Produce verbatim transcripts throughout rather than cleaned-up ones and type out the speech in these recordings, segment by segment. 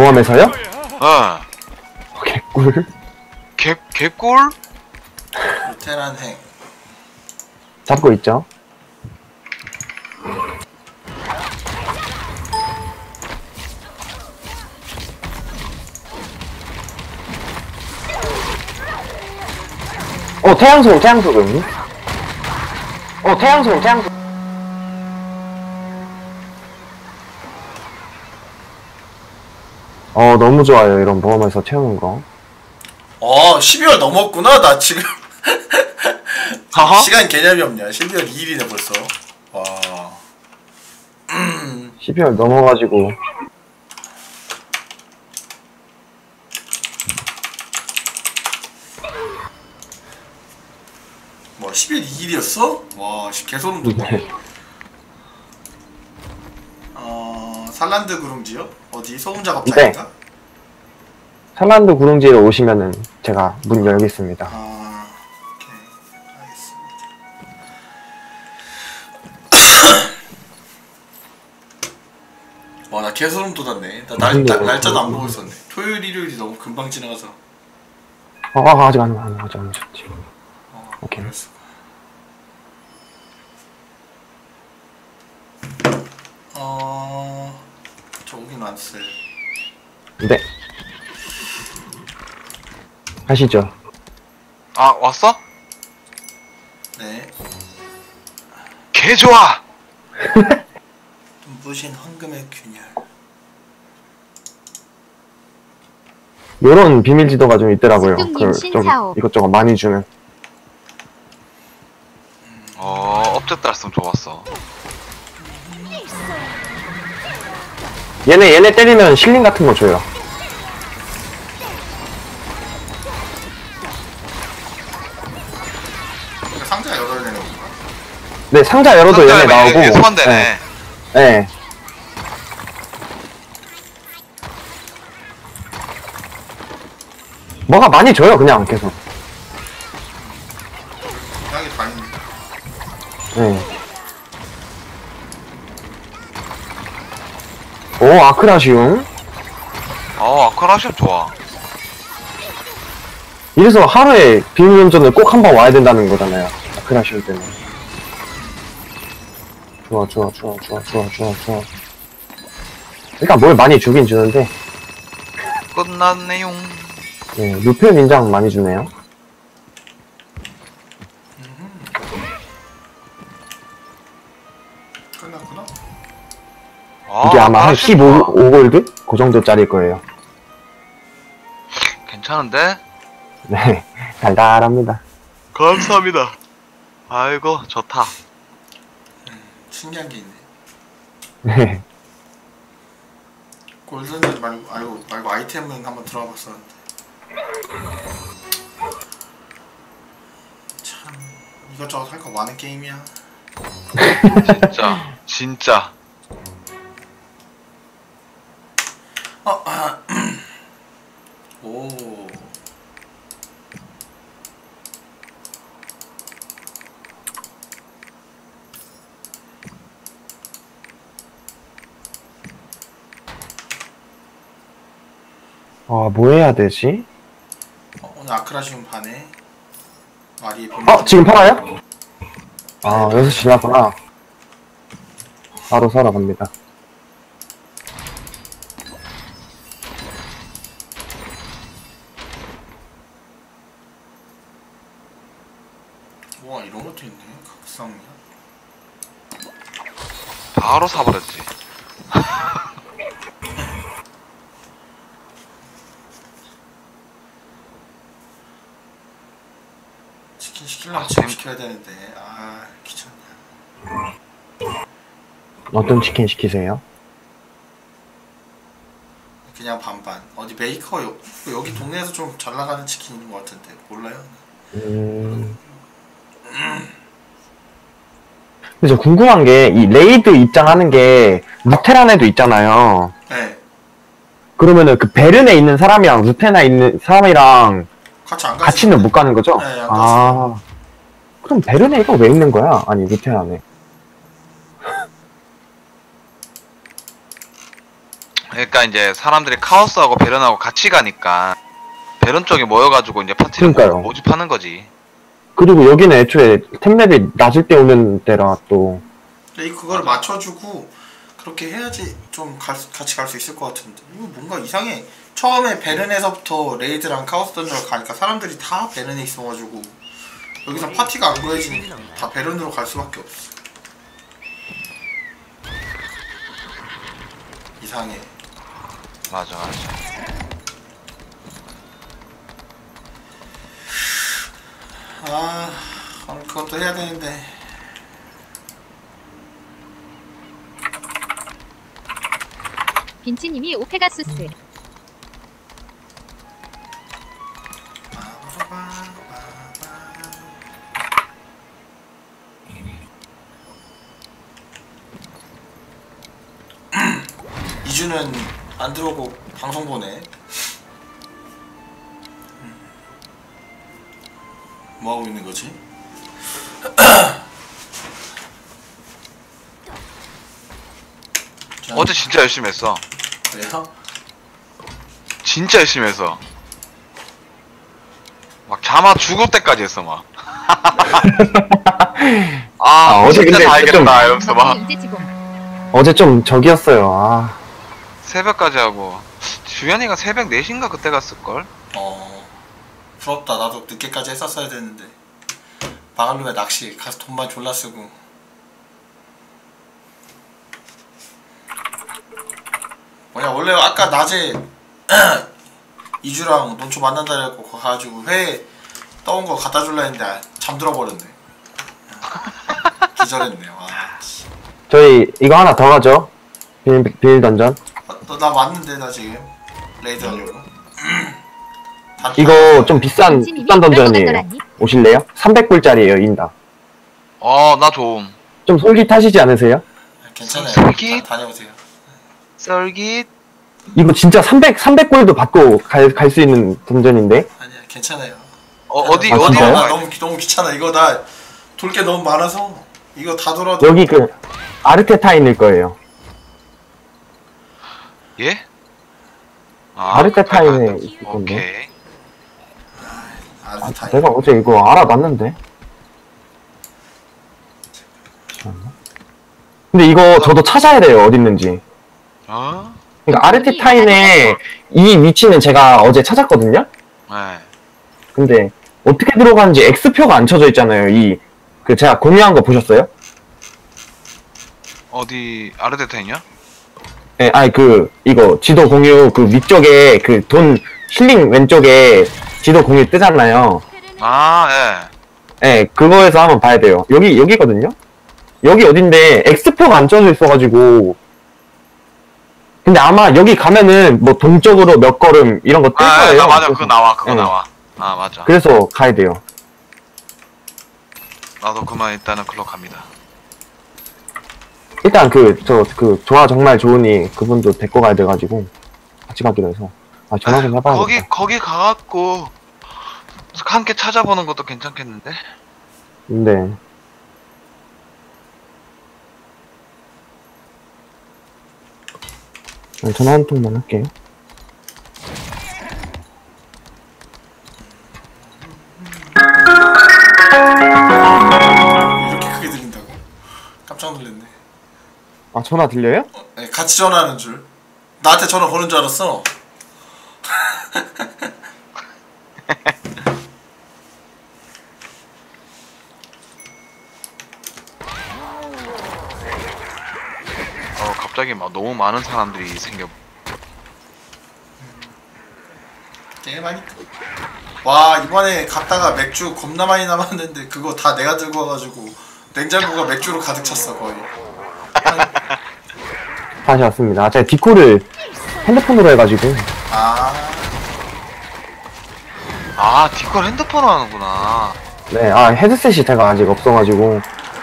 모험에서요? 어. 개꿀. 개, 개꿀? 루테란 행. 잡고 있죠. 어, 태양소금, 태양소금. 어, 태양소금, 태양소금. 어, 너무 좋아요. 이런 모험에서 채우는 거. 어, 십이월 넘었구나. 나 지금 하하? 시간 개념이 없냐. 십이월 이일이네 벌써. 와. 십이월 넘어가지고. 뭐 십일 이일이었어? 와, 개소름 돋네. 네. 어, 살란드 구릉지요? 어디? 소금 작업장인가? 네. 살란드 구릉지에 오시면은 제가 문 열겠습니다. 아, 오케이. 알겠습니다. 와, 나 개소름 돋았네. 나 날, 날, 날짜도 안 보고 있었네. 토요일, 일요일이 너무 금방 지나가서. 어, 아, 아직 안, 안, 아직 안 오셨지. 어, 오케이. 그랬어. 어, 저 오긴 왔어요. 네. 가시죠. 아, 왔어? 네. 개 좋아! 눈부신 황금의 균열. 요런 비밀 지도가 좀 있더라고요. 수중님 그, 좀 신사옥. 이것저것 많이 주는. 어, 업적 달성 좋았어. 얘네, 얘네 때리면 실링 같은 거 줘요. 그러니까 상자 열어야 되는 건가? 네, 상자 열어도 얘네 나오고. 얘 소환되네. 네. 네. 뭐가 많이 줘요, 그냥 계속. 이상하게 다 있네. 네. 오, 아크라시움. 어, 아크라시움 좋아. 이래서 하루에 비밀운전을 꼭 한 번 와야 된다는 거잖아요. 아크라시움 때문에. 좋아, 좋아, 좋아, 좋아, 좋아, 좋아, 좋아. 그러니까 뭘 많이 주긴 주는데, 끝났네용. 네, 루페 민장 많이 주네요. 끝났구나. 아, 이게 아마 한 아크라시움 십오 좋아. 골드? 그 정도짜리일 거예요. 괜찮은데? 네, 달달합니다. 감사합니다. 아이고, 좋다. 신기한 게 있네. 네. 골든지 말고, 아이고, 말고 아이템은 한번 들어가 봤었는데. 참, 이것저것 할 거 많은 게임이야. 진짜, 진짜. 어, 아, 오. 아, 뭐 해야 되지? 어, 오늘 아크라시움 반에 마리의 비밀. 어, 지금 팔아요? 아, 여섯 시 지났구나. 바로 사러 갑니다. 와, 이런 것도 있네. 각성이야. 바로 사버렸지. 치킨 시키려면 아, 지금 쌤. 시켜야 되는데. 아, 귀찮냐. 어떤 치킨 시키세요? 그냥 반반. 어디 메이커 여, 여기 동네에서 좀 잘 나가는 치킨 있는 것 같은데 몰라요? 음. 근데 저 궁금한 게, 이 레이드 입장하는 게, 루테란에도 있잖아요. 네. 그러면은 그 베른에 있는 사람이랑 루테나에 있는 사람이랑 같이 안 가시. 같이는 못 가는 거죠? 네, 안 아. 그럼 베른에가 왜 있는 거야? 아니, 루테란에. 그러니까 이제 사람들이 카오스하고 베런하고 같이 가니까 베런 쪽에 모여가지고 이제 파티를 그러니까요. 모집하는 거지. 그리고 여기는 애초에 템랩이 낮을 때 오는 때라 또. 근데 이 그걸 맞춰주고 그렇게 해야지 좀 갈, 수- 같이 갈 수 있을 것 같은데 이거 뭔가 이상해. 처음에 베른에서부터 레이드랑 카오스 던전을 가니까 사람들이 다 베른에 있어가지고 여기서 파티가 안 구해지니까 다 베른으로 갈 수밖에 없어. 이상해. 맞아 맞아. 아 오늘 그것도 해야 되는데. 빈치님이 오페가수스. 이주는 안 들어오고 방송 보네. 뭐 하고 있는 거지? 자, 어제 진짜 열심히 했어. 그래요? 진짜 열심히 했어. 막 잠아 죽을 때까지 했어 막. 아, 아, 어제 진짜 근데 다 좀- 알겠다 이러면서 막 윤재지봉. 어제 좀 적이었어요. 아, 새벽까지 하고 주현이가 새벽 네 시인가 그때 갔을걸? 어 부럽다. 나도 늦게까지 했었어야 되는데 바갈루에 낚시 가서 돈만 졸라 쓰고. 뭐냐 원래 아까 낮에 이주랑 논초 만난다 그래갖고 거기 가가지고 회 떠온 거 갖다 줄라 했는데 잠들어 버렸네. 기절했네. 와. 씨. 저희 이거 하나 더 가죠. 비밀, 비밀 던전. 어, 너, 나 맞는데 나 지금 레이드 하려고. 다- 이거 좀 비싼, 빈치님이 비싼 던전이에요. 떨어졌더라니. 오실래요? 삼백 불짜리예요, 인당. 어, 나 좀. 좀 솔깃하시지 않으세요? 괜찮아요. 솔깃? 다, 다녀오세요. 썰깃. 이거 진짜 삼백, 삼백 불도 받고 갈, 갈 수 있는 던전인데? 아니야 괜찮아요. 어, 어디, 아, 어디 진짜요? 나 가야 너무 너무 귀찮아. 이거 나 돌 게 너무 많아서 이거 다 돌아도 여기 그, 아르테타인일 거예요. 예? 아, 아르테타인에 그래, 있을 건데. 오케이. 아, 아, 다 내가 어제 이거 알아봤는데? 잠시만요. 근데 이거 저도 찾아야 돼요, 어딨는지. 어? 그러니까 아르테타인의 이 위치는 제가 어제 찾았거든요? 네. 근데 어떻게 들어가는지 X표가 안 쳐져 있잖아요. 이, 그 제가 공유한 거 보셨어요? 어디, 아르데타이냐? 예, 아니 그 이거 지도 공유 그 위쪽에 그 돈 힐링 왼쪽에 지도 공유 뜨잖아요. 아, 예. 예, 그거에서 한번 봐야 돼요. 여기 여기거든요. 여기 어딘데 X표가 안 쳐져 있어가지고. 근데 아마 여기 가면은 뭐 동쪽으로 몇 걸음 이런 거 뜰 아, 거예요. 나 맞아. 그래서- 그거 나와, 그거 예. 나와. 아, 맞아. 그래서 가야 돼요. 나도 그만 일단은 글로 갑니다. 일단 그 저 그 조화 정말 좋으니 그분도 데리고 가야 돼가지고 같이 가기로 해서 아 전화 좀 해봐야겠다. 거기, 거기 가갖고, 함께 찾아보는 것도 괜찮겠는데? 네. 네, 전화 한 통만 할게요. 이렇게 크게 들린다고? 깜짝 놀랐네. 아 전화 들려요? 네, 같이 전화하는 줄. 나한테 전화 거는 줄 알았어. 어, 갑자기 막 너무 많은 사람들이 생겨. 꽤 많이. 와 이번에 갔다가 맥주 겁나 많이 남았는데 그거 다 내가 들고 와가지고 냉장고가 맥주로 가득 찼어 거의. 다시 왔습니다. 아, 제가 디코를 핸드폰으로 해가지고 아 아, 디콜 핸드폰으로 하는구나. 네, 아 헤드셋이 제가 아직 없어가지고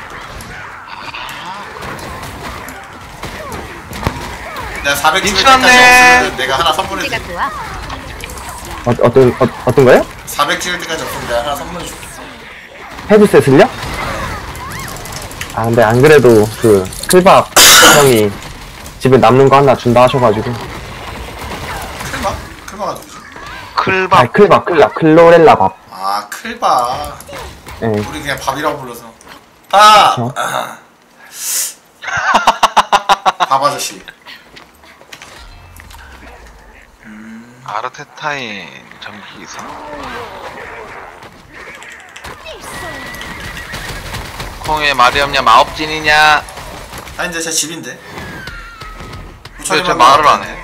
내가 사백 찍을 미쳤네. 때까지 없으면 내가 하나 선물해줄게. 제가 좋아. 어, 어떤 어, 어떤 거요? 사백 찍을 때까지 없으면 내가 하나 선물해줄게. 헤드셋을요? 아 근데 안 그래도 그 클밥 형이 집에 남는 거 하나 준다 하셔가지고 클바가 누구지? 아, 클밥. 클밥, 클밥, 클로렐라 밥. 아 클바. 예. 우리 그냥 밥이라고 불러서. 밥. 그쵸? 아. 밥 아저씨. 아르테타인 전기기사. 콩에 말이 없냐 마법진이냐. 아 이제 제 집인데. 왜 저 말을 안 해?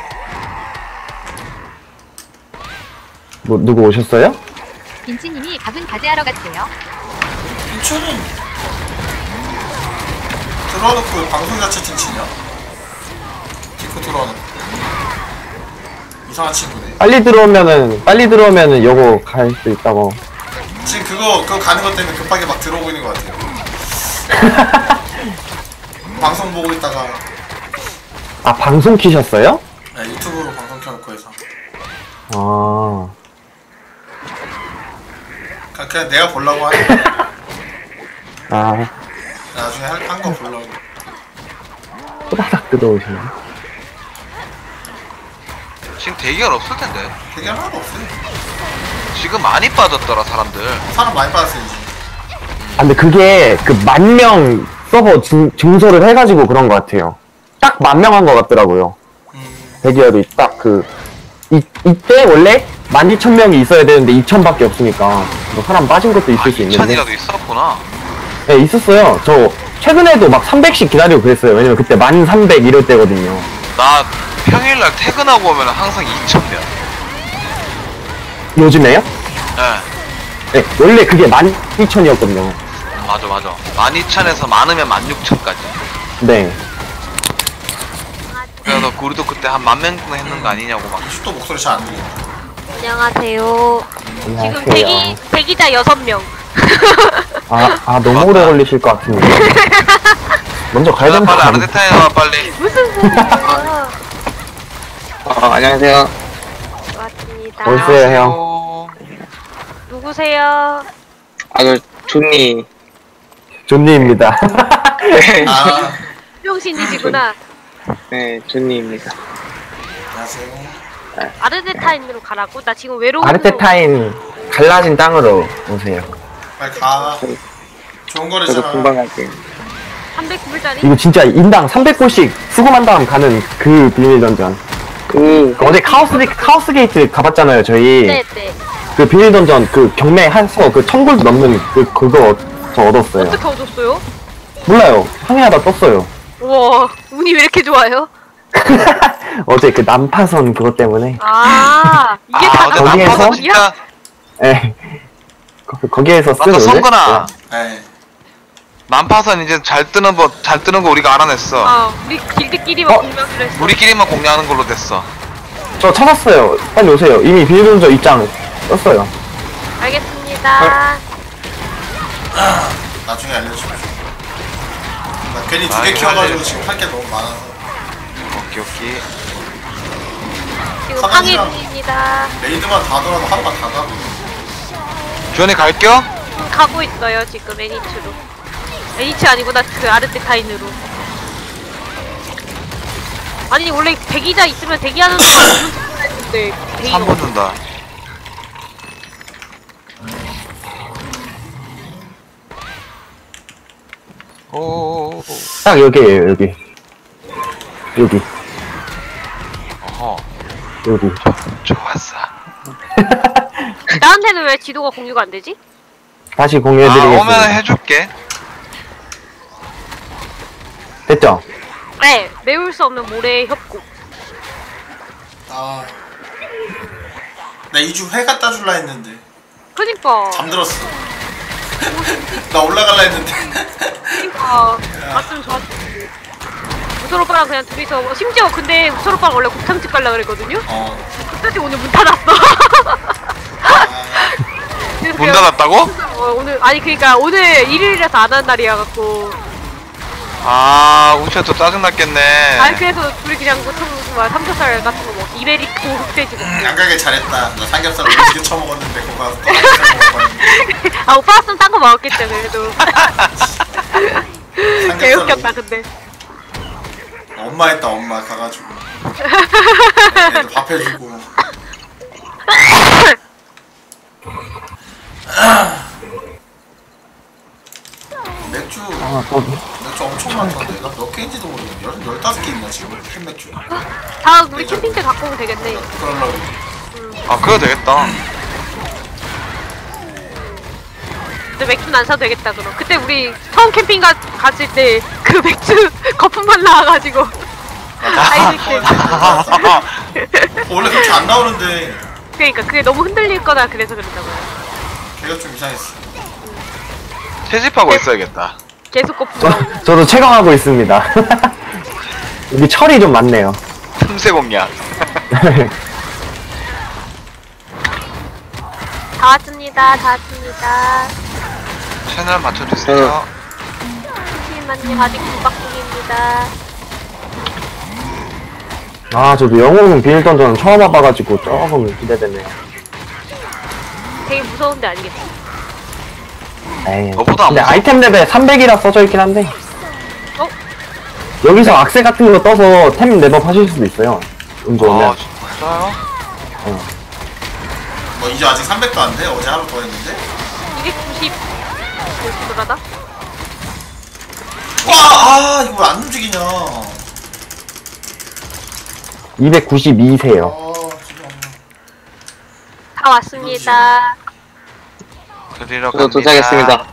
뭐, 누구 오셨어요? 빈치님이 밥은 가재하러 갔대요. 인천은 들어놓고 방송 자체 칭치냐? 디코 들어놓고 이상한 친구네. 빨리 들어오면은, 빨리 들어오면은 요거 갈 수 있다고. 지금 그거 그거 가는 것 때문에 급하게 막 들어오고 있는 것 같아요. 방송 보고 있다가 아, 방송 키셨어요? 네, 유튜브로 방송 켜놓고 해서 아. 그냥, 그냥 내가 보려고 하는 거야. 아, 나중에 한 거 보려고. 후다닥 뜯어오시네. 지금 대기열 없을 텐데. 되게 하나도 없어요. 지금 많이 빠졌더라 사람들. 사람 많이 빠졌어요 이제. 아, 근데 그게 그 만 명 서버 증, 증설을 해가지고 그런 것 같아요. 딱 만 명 한 것 같더라고요. 음, 대기열이 딱 그, 이, 이때 원래 만 이천 명이 있어야 되는데 이천밖에 없으니까 뭐 사람 빠진 것도 있을 수 있는데. 이천이라도 있었구나. 네, 있었어요. 저 최근에도 막 삼백씩 기다리고 그랬어요. 왜냐면 그때 만 삼백 이럴 때거든요. 나 평일날 퇴근하고 오면 항상 이천 명. 요즘에요? 예. 네, 원래 그게 만 이천이었거든요. 맞아 맞아. 만 이천에서 많으면 만 육천까지. 네. 그래서 우리도 그때 한 만 명 정도 했는 거 아니냐고 막. 또 목소리 잘 안 들려. 안녕하세요. 지금 안녕하세요. 대기 대기자 여섯 명. 아, 아, 너무 맞다. 오래 걸리실 것 같은데. 먼저 가야 야, 되는 빨리 거 아니에요? 아르테타인 와 빨리. 무슨 소리야? 아, 안녕하세요. 왔습니다. 어딨어요, 형? 어, 누구세요? 아, 그, 존니. 존니입니다. 아, 명신이시구나. 네, 존니입니다. 안녕하세요. 아르데타인으로 가라고? 나 지금 외로운. 아르테타인 갈라진 땅으로 오세요. 빨리 가. 좋은 저도 거래잖아. 금방 갈게요. 삼백구 불짜리? 이거 진짜 인당 삼백 골씩 수금한 다음 가는 그 비밀 던전. 그, 어제 카오스, 카오스 게이트 가봤잖아요, 저희. 네네. 그 비밀 던전, 그 경매 한서 그 천 골드 넘는 그, 그거 저 얻었어요. 어떻게 얻었어요? 몰라요. 항해하다 떴어요. 우와, 운이 왜 이렇게 좋아요? 어제 그 난파선 그것 때문에. 아, 이게 아 다 어제 거기에서? 나빠서 나빠서 진짜. 예. 거- 거기에서 쓴 맞다 오늘? 성근아. 네. 난파선 이제 잘 뜨는 거 잘 뜨는 거 우리가 알아냈어. 아, 우리 길드끼리만 어? 공명을 했어. 우리끼리만 공유하는 걸로 됐어. 저 찾았어요. 빨리 오세요. 이미 비밀 던전 입장 떴어요. 알겠습니다. 나중에 알려줘. 나 괜히 두 아, 개 이거 키워가지고 알려줘. 지금 할 게 너무 많아서. 오케이 오케이. 지금 사장님이랑- 항해 중입니다. 레이드만 다 돌아도 하루가 다 가고. 주연이 갈겨? 가고 있어요, 지금 애니츠로. 애니츠 아니구나, 그 아르테타인으로. 아니, 원래 대기자 있으면 대기하는 동안 무슨 했는데 대기가 삼 분 든다. 오. 딱 여기에요, 여기. 여기, 어허. 여기. 좋았어. 나한테는 왜 지도가 공유가 안 되지? 다시 아 공유해드리겠습니다. 오면 해줄게. 됐죠? 네, 메울 수 없는 모래의 협곡. 아. 나 이 주 회 갖다 줄라 했는데. 그니까, 잠들었어. 나 올라갈라 했는데. 그니까, 갔으면 좋았을 텐데. 우솔 오빠랑 그냥 둘이서, 심지어 근데 우솔 오빠랑 원래 곱창집 가려고 그랬거든요? 어. 그때 오늘 문 닫았어. 아, 그래서 문 그냥- 닫았다고? 어, 오늘, 아니, 그니까 오늘 일요일이라서 안 하는 날이어갖고. 아 우치가 또 짜증났겠네. 아니, 그래서 둘이 그냥 뭐, 참, 뭐 삼겹살 같은 거 먹, 이베리코 흑돼지 먹고. 안 가길 잘했다. 나 삼겹살 오지게 처먹었는데 그거 가서 또 삼겹살 먹어봤는데. 아, 오빠 왔으면 딴 거 먹었겠죠, 그래도. 개웃겼다, 근데. 엄마 했다 엄마 가가지고. 애들 밥 해주고. 맥주 아, 또, 맥주 엄청 많던데. 내가 몇 개인지도 모르겠네. 열 열다섯 개인가 지금 캔맥주. 다 우리 캠핑 때 갖고 오면 되겠네. 그러려고. 아 그래도 되겠다. 근데 맥주는 안 사도 되겠다 그럼. 그때 우리 처음 캠핑 가, 갔을 때 그 맥주 거품만 나와가지고 아이들 때 원래 그렇게 안 나오는데 그러니까 그게 너무 흔들릴 거다 그래서 그런다고요. 걔가 좀 이상했어. 채집하고 있어야겠다. 계속 거품 저, 나오고. 저도 체감하고 있습니다. 여기 철이 좀 많네요. 틈새 공략. 다 왔습니다. 다 왔습니다. 채널 맞춰주세요. 잠시만요. 아직 구박중입니다. 아, 저도 영웅 비밀 던전은 처음 와봐가지고 조금 기대되네요. 되게 무서운데 아니겠지? 에이, 너보다 안 근데 무서워. 아이템 레벨 삼백이라 써져 있긴 한데 어? 여기서 악세 같은 거 떠서 템 레벨 하실 수도 있어요. 운 좋으면. 아 진짜요? 뭐 이제 아직 삼백도 안 돼? 어제 하루 더 했는데? 이백구십 돌아다? 와! 아 이거 왜 안 움직이냐. 이백구십이 세요. 아 진짜. 다 왔습니다. 그리러 저도 갑니다. 도착했습니다.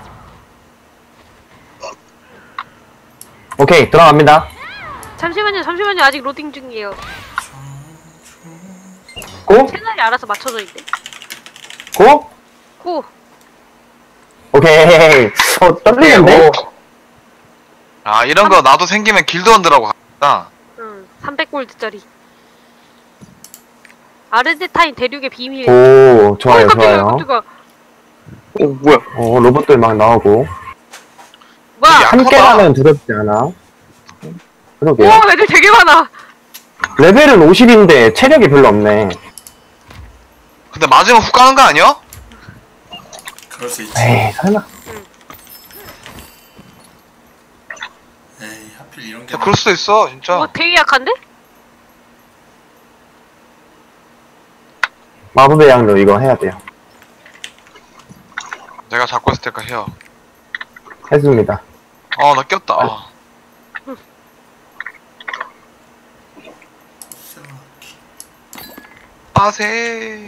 오케이, 들어갑니다. 잠시만요. 잠시만요. 아직 로딩 중이에요. 고? 채널이 알아서 맞춰져 있네. 고? 고! 오케이. 어, 떨리는데? 아 이런 거 나도 생기면 길드원들하고 가겠다. 응. 삼백 골드짜리. 아르데타인 대륙의 비밀. 오, 좋아요, 어, 깜짝이야, 좋아요. 깜짝이야. 오, 뭐야. 어, 로봇들 막 나오고. 뭐야? 야. 함께라면 두렵지 않아. 그러게요. 오, 애들 되게 많아. 레벨은 오십인데 체력이 별로 없네. 근데 맞으면 훅 가는 거 아니야? 그럴 수 있지. 에이, 설마. 에이 하필 이런 게. 야, 그럴 수도 있어 진짜. 어, 되게 약한데? 마법의 양도 이거 해야 돼요. 내가 잡고 있을 때까 해요. 했습니다. 어 나 꼈다. 아. 빠세.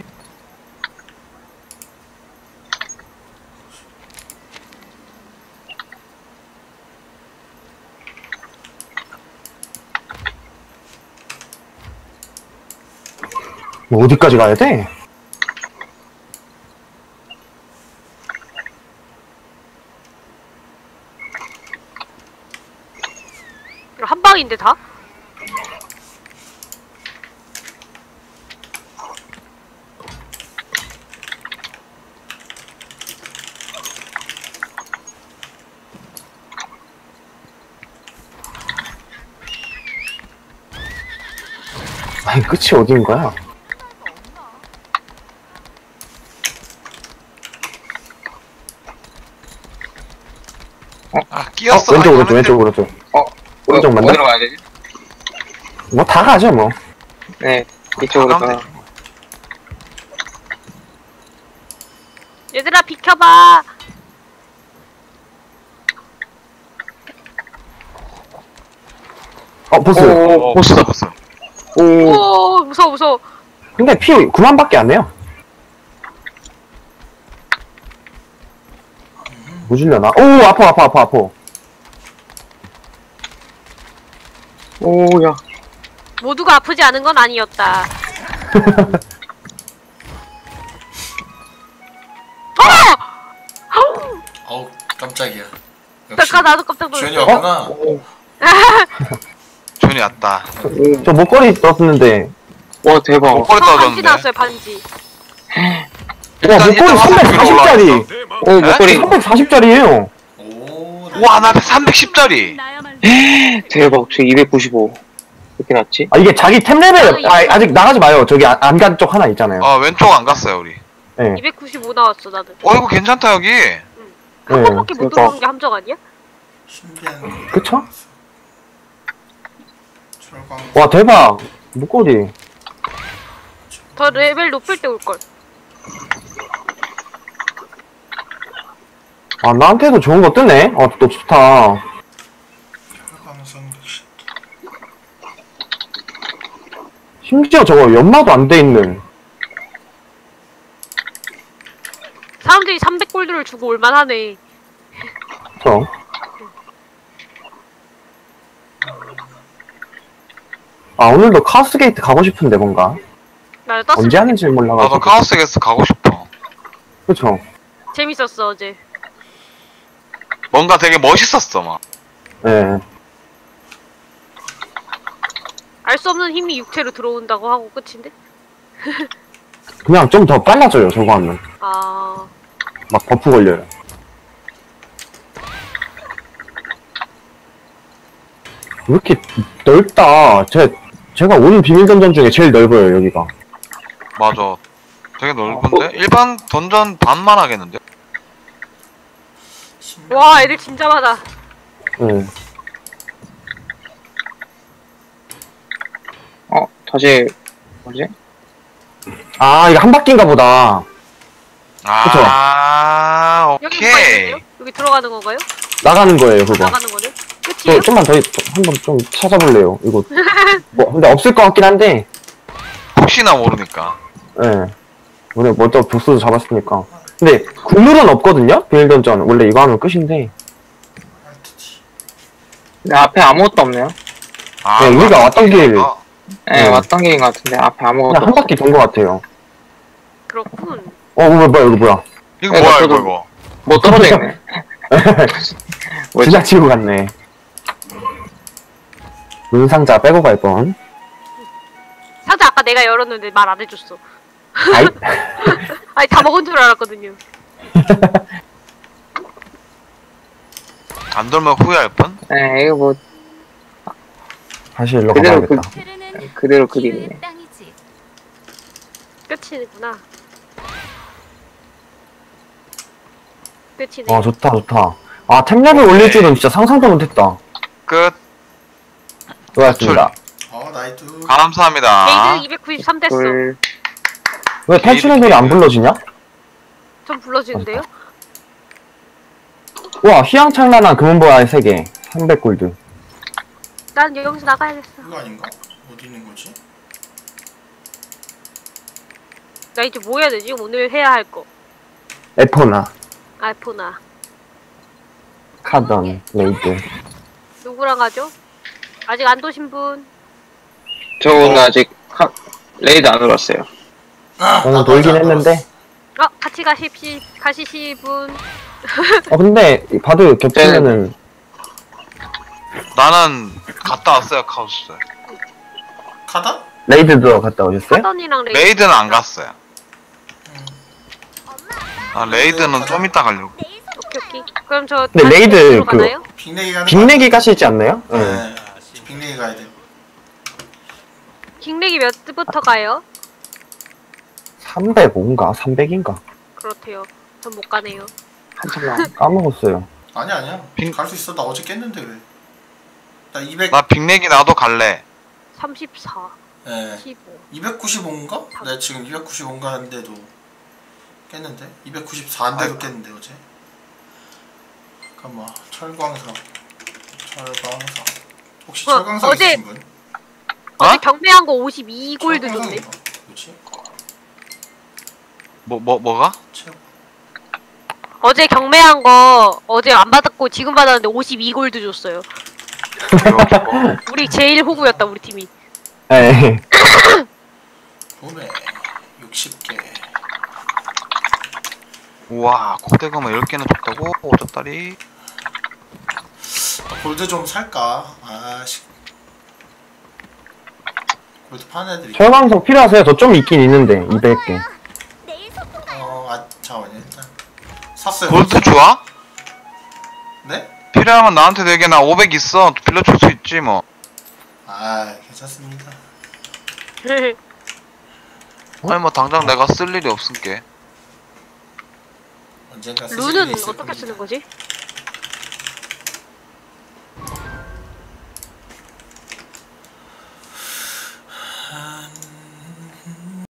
뭐 어디까지 가야 돼? 한 방인데 다? 아니, 끝이 어딘 거야? 아 어, 끼었어. 왼쪽, 아, 오른쪽, 이거는 왼쪽, 오른쪽. 어, 오른쪽 맞나? 어디로 가야 되지? 뭐 다 가죠, 뭐. 네, 이쪽으로 가면 가. 얘들아, 비켜봐. 어, 보스. 오, 어, 보스다 보스. 오, 오, 무서워, 무서워. 근데 피 구만밖에 안 내요. 뭐 줄려나? 오, 아파, 아파, 아파, 아파. 오, 야. 모두가 아프지 않은 건 아니었다. 어우 깜짝이야. 잠깐 나도 깜짝 주연이 놀랐어. 왔구나. 존이 왔다. 저 목걸이 떴는데. 와, 대박. 목걸이 저 반지 떨어졌는데. 나왔어요, 반지. 와, 목걸이 삼백사십 짜리. 오, 목걸이. 삼백사십 짜리에요. 오. 와나 삼백십 짜리. 대박. 저 이백구십오. 이렇게 났지? 아, 이게 자기 템 레벨, 아, 아직 나가지 마요. 저기 안 간 쪽 하나 있잖아요. 어 왼쪽 안 갔어요 우리. 네. 이백구십오 나왔어, 나는. 어 이거 괜찮다 여기. 한 네. 번밖에 못 대박. 들어온 게 함정 아니야? 신기한 거. 그쵸? 철광. 와, 대박. 목걸이. 더 레벨 높을 때 올걸. 아, 나한테도 좋은 거 뜨네? 어, 또 좋다. 철광석 육십. 심지어 저거 연마도 안 돼 있는. 사람들이 삼백 골드를 주고 올만하네. 그쵸? 아, 오늘도 카오스 게이트 가고 싶은데, 뭔가. 나 떴을 언제 때 하는지 몰라가지고. 나도 카오스 게스 가고 싶어. 그쵸? 재밌었어 어제. 뭔가 되게 멋있었어 막. 예. 알 수 없는 힘이 육체로 들어온다고 하고 끝인데? 그냥 좀 더 빨라져요, 저거 하면. 아... 막 버프 걸려요. 왜 이렇게 넓다. 제, 제가 온 비밀 던전 중에 제일 넓어요, 여기가. 맞아. 되게 넓은데? 일반 던전 반만 하겠는데? 와 애들 진짜 많아. 예. 어, 다시, 뭐지? 아, 이거 한 바퀴인가 보다. 아, 여기 뭐가 오케이. 있는데요? 여기 들어가는 건가요? 나가는 거예요, 그거. 나가는 거는? 저, 끝이에요? 좀만 더, 한번 좀 찾아볼래요, 이거. 뭐, 근데 없을 것 같긴 한데, 혹시나 모르니까. 예. 오늘 뭐또 보스도 잡았으니까. 근데, 국룰은 없거든요? 비밀 던전. 원래 이거 하면 끝인데. 근데 앞에 아무것도 없네요. 아, 네, 우리가 왔던 길. 어, 예, 네. 왔던 길인 것 같은데 앞에 아무것도 그냥 한 없어. 바퀴 돈 것 같아요. 그렇군. 어, 뭐야, 뭐야, 이거 뭐야. 이거 네, 뭐야, 저도- 이거, 이거. 뭐 떨어져 있네. 뭐지? 진짜 치고 갔네. 문상자 빼고 갈 뻔. 상자 아까 내가 열었는데 말 안 해줬어. 아이, 아니 다 먹은 줄 알았거든요. 안 돌면 후회할 뻔? 예, 이거 뭐 다시 일로 그대로 가봐야겠다. 그대로 그리네. 끝이구나. 끝이네. 어, 좋다, 좋다. 아, 템랩을 올릴 줄은 진짜 상상도 못했다. 끝. 수고하셨습니다. 어 나이트. 감사합니다. 게이드 이백구십삼 됐어. 둘, 왜 탈출의 노래 안 불러지냐? 좀 불러주는데요? 와, 휘황찬란한 금은보화의 세계. 삼백 골드. 난 여기서 나가야겠어. 이거 아닌가? 어디 있는 거지? 나 이제 뭐 해야 되지? 오늘 해야 할 거. 에포나, 알포나. 카던, 레이드. 누구랑 가죠? 아직 안 도신 분? 저 오늘 아직 카, 레이드 안 들었어요. 아, 저는 나도 돌긴 아직 안 했는데. 어, 같이 가십시, 가시시 분. 어, 근데, 바드 겹치면은, 나는 갔다 왔어요, 카오스. 들었어. 카다? 레이드도 갔다 오셨어요? 하던이랑 레이 레이드는 안 갔어요. 아, 레이드는 좀 이따 가려고. 오케이, 오케이. 그럼 저. 근데 다시 레이드 레이드로 그- 가나요? 빅내기 가는 빅내기 가시지 않나요? 거? 응. 네. 빅내기 가야 돼. 빅렉이 몇 부터 가요? 삼백오인가? 삼백인가? 그렇대요. 전 못 가네요. 한참 남. 까먹었어요. 아니야 아니야. 빅- 갈 수 있어. 나 어제 깼는데 왜? 나 이백. 나 빅내기 나도 갈래. 삼십사, 예. 십오. 이백구십오인가? 내가 지금 이백구십오인가 하는데도 깼는데? 이백구십사인데도 깼는데 어제? 잠깐만 철광석 철광석 혹시 어, 철광석 어제- 있으신 분? 어제 어? 경매한 거 오십이 골드 줬네. 철광석인가? 뭐지? 뭐, 뭐, 뭐가? 채워. 어제 경매한 거 어제 안 받았고 지금 받았는데 오십이 골드 줬어요. 우리 제일 호구였다 우리 팀이. 에이. 보네 육십 개. 우와, 코데가마 열 개나 줬다고? 오졌다리. 아, 골드 좀 살까? 아씨. 골드 파는 애들이. 철광석 필요하세요? 저 좀 있긴 있는데, 이백 개. 어, 아 잠깐만요 일단 샀어요. 골드 좋아? 네? 필요하면 나한테 되게 나 오백 있어. 빌려줄 수 있지, 뭐. 아 괜찮습니다. 아니, 뭐, 당장 내가 쓸 일이 없을게. 언젠가 쓰실 룬은 일이 있을 어떻게 겁니다. 쓰는 거지?